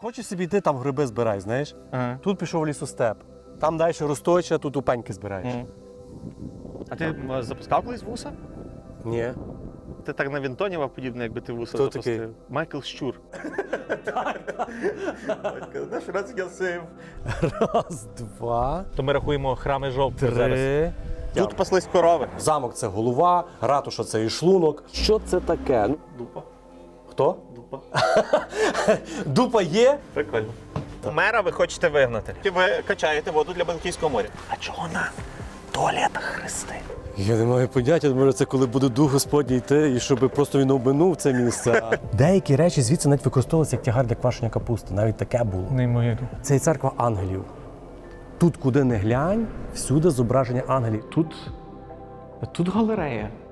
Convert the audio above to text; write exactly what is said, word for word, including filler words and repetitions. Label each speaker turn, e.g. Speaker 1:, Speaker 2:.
Speaker 1: Хочеш собі йти, там гриби збирай, знаєш?
Speaker 2: Ага.
Speaker 1: Тут пішов лісостеп. Там далі росточа, тут упеньки збираєш.
Speaker 2: Мгм. А ти м, запускав колись вуса?
Speaker 1: Ні.
Speaker 2: Ти так на Вінтоніва подібне, якби ти вуса
Speaker 1: Хто
Speaker 2: запустив.
Speaker 1: такий?
Speaker 2: Майкл Щур.
Speaker 1: Наш раз я сив. Раз, два,
Speaker 2: То ми рахуємо храми жовтні зараз.
Speaker 1: три.
Speaker 2: Тут паслись корови.
Speaker 1: Замок це голова, ратуша це і шлунок. Що це таке? Ну,
Speaker 2: Дупа.
Speaker 1: хто?
Speaker 2: Дупа.
Speaker 1: Дупа є?
Speaker 2: Прикольно. Мера ви хочете вигнати. Ви качаєте воду для Балтійського моря. А чого на туалетах хрести?
Speaker 1: Я не маю поняття, може це коли буде дух Господній йти, і щоб просто він обминув це місце. Деякі речі звідси навіть використовувалися як тягар для квашення капусти. Навіть таке було.
Speaker 2: Неймовірно.
Speaker 1: Це і церква ангелів. Тут, куди не глянь, всюди зображення ангелів.
Speaker 2: Тут, тут галерея.